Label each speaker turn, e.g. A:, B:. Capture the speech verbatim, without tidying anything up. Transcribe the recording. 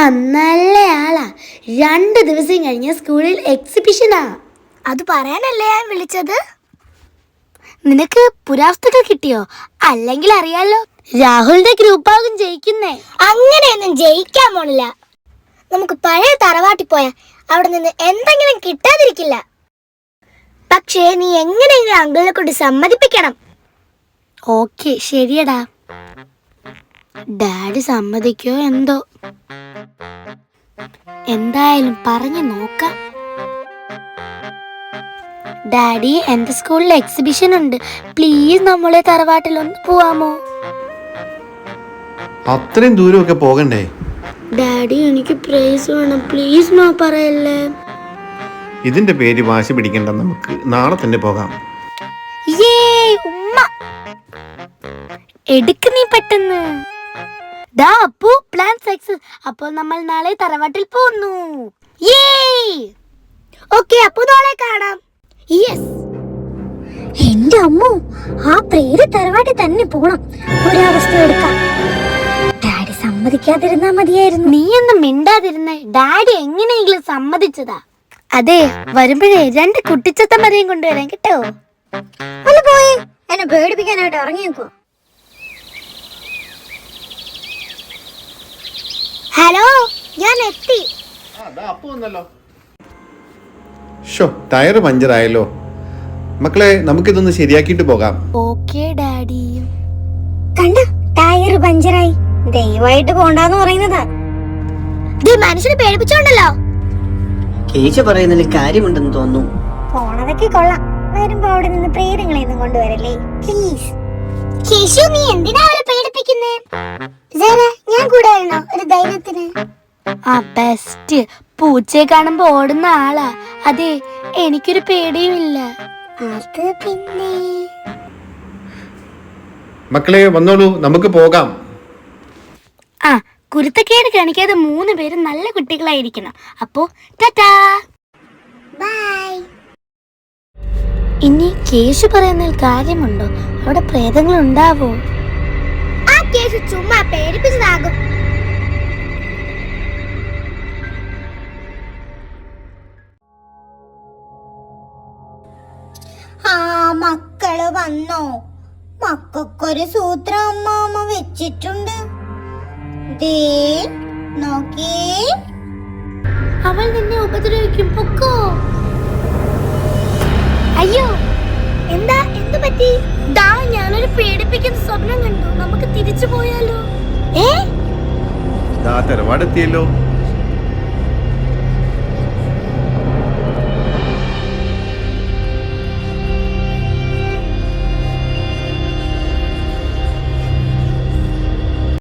A: നല്ല ആളാ. രണ്ട് ദിവസം കഴിഞ്ഞ സ്കൂളിൽ എക്സിബിഷനാ.
B: അത് പറയാനല്ലേ ഞാൻ വിളിച്ചത്.
A: നിനക്ക് പുരാവസ്തുക്കൾ കിട്ടിയോ? അല്ലെങ്കിൽ അറിയാലോ, രാഹുലിന്റെ ഗ്രൂപ്പാകും ജയിക്കുന്നേ.
B: അങ്ങനെയൊന്നും ജയിക്കാൻ പോണില്ല. നമുക്ക് പഴയ തറവാട്ടി പോയാ അവിടെ നിന്ന് എന്തെങ്കിലും കിട്ടാതിരിക്കില്ല. പക്ഷേ നീ എങ്ങനെയെങ്കിലും അങ്കിളിനെ കൊണ്ട് സമ്മതിപ്പിക്കണം.
A: ഓക്കെ, ശരിയടാ. ഡാഡി സമ്മതിക്കോ എന്തോ. എന്തായാലും പറഞ്ഞു നോക്കാം. ഡാഡി, എന്റെ സ്കൂളിൽ എക്സിബിഷൻ ഉണ്ട്. പ്ലീസ് നമ്മളെ തറവാട്ടിൽ ഒന്ന് പോവാമോ?
C: അത്രയും ദൂരമൊക്കെ പോകണ്ടേ?
A: ഡാഡി, എനിക്ക് പ്രൈസ് വേണം. പ്ലീസ് നോ പറയല്ലേ.
C: ഇതിന്റെ പേര് വാശി പിടിക്കണ്ട, നമുക്ക് നാളെ തന്നെ പോകാം.
A: ഉമ്മ എടുക്ക് നീ പെട്ടെന്ന്. ദാ അപ്പു, പ്ലാൻ സക്സസ്. അപ്പോൾ നമ്മൾ നാളെ തറവാട്ടിൽ പോകുന്നു.
B: ഓക്കെ, അപ്പു നാളെ കാണാം.
A: യെസ്.
B: എന്റെ അമ്മു, ആ പേര് തറവാട്ടിൽ തന്നെ പോണം. ഒരവസ്ഥ എടുക്കാം. ഡാഡി സമ്മതിക്കാതിരുന്നാ മതിയായിരുന്നു.
A: നീ ഒന്നും മിണ്ടാതിരുന്നേ. ഡാഡി എങ്ങനെയെങ്കിലും സമ്മതിച്ചതാ. അതെ, വരുമ്പോഴേ രണ്ട് കുട്ടിച്ചത്തമ്മരെയും കൊണ്ടുവരാൻ കേട്ടോ.
B: ഒന്ന് പോയി എന്നെ പേടിപ്പിക്കാനായിട്ട് ഇറങ്ങിയേക്കോ. ഹലോ, ഞാൻ എത്തി.
C: ടയർ പഞ്ചറായല്ലോ. മക്കളെ, നമുക്കിതൊന്ന് ശരിയാക്കിയിട്ട് പോകാം.
A: Okay daddy.
B: കണ്ട, ടയർ പഞ്ചറായി. ദയവായിട്ട് പോണ്ടെന്ന് പറയുന്നതാ. മനുഷ്യനെ പേടിപ്പിച്ചോണ്ടല്ലോ.
D: കേശ പറയുന്നതിൽ കാര്യമുണ്ടെന്ന് തോന്നുന്നു.
B: പോണതൊക്കെ കൊള്ളാം. വരുമ്പോ അവിടെ നിന്ന് പ്രേതങ്ങളെയൊന്നും കൊണ്ടുവരല്ലേ പ്ലീസ്. കേശു, നീ എന്തിനാ അവരെ പേടിപ്പിക്കുന്നേ? ഞാൻ കൂടെ വരണോ ഒരു ധൈര്യത്തിന്?
A: ആ ബെസ്റ്റ്. പൂച്ചയെ കാണുമ്പോ ഓടുന്ന ആളാ. അതെ, എനിക്കൊരു പേടിയുമില്ല.
B: അത് പിന്നെ
C: മക്കളെ വന്നോളൂ, നമുക്ക് പോകാം.
A: ആ, കുരുത്തക്കേട് കാണിക്കാതെ മൂന്ന് പേരും നല്ല കുട്ടികളായിരിക്കണം. അപ്പോ ടാറ്റാ
B: ബൈ.
A: ഇനി കേശു പറയുന്നതിൽ കാര്യമുണ്ടോ? അവിടെ പ്രേതങ്ങൾ ഉണ്ടാവോ?
B: ആ കേശു ചുമ്മാ പേടിപ്പിച്ചതാകും. ആ മക്കള് വന്നോ? മക്കൾക്കൊരു സൂത്രം അമ്മാമ്മ വെച്ചിട്ടുണ്ട്. ദേ നോക്കേ.
A: അവൾ നിന്നെ ഉപദ്രവിക്കും. പൊക്കോ. അയ്യോ,
B: എന്താ എന്തു പറ്റി?
A: ദാ ഞാനൊരു പേടിപ്പിക്കുന്ന സ്വപ്നം കണ്ടു. നമുക്ക് തിരിച്ചു പോയാലോ?
B: ഏ
C: തറവാടെത്തിയല്ലോ.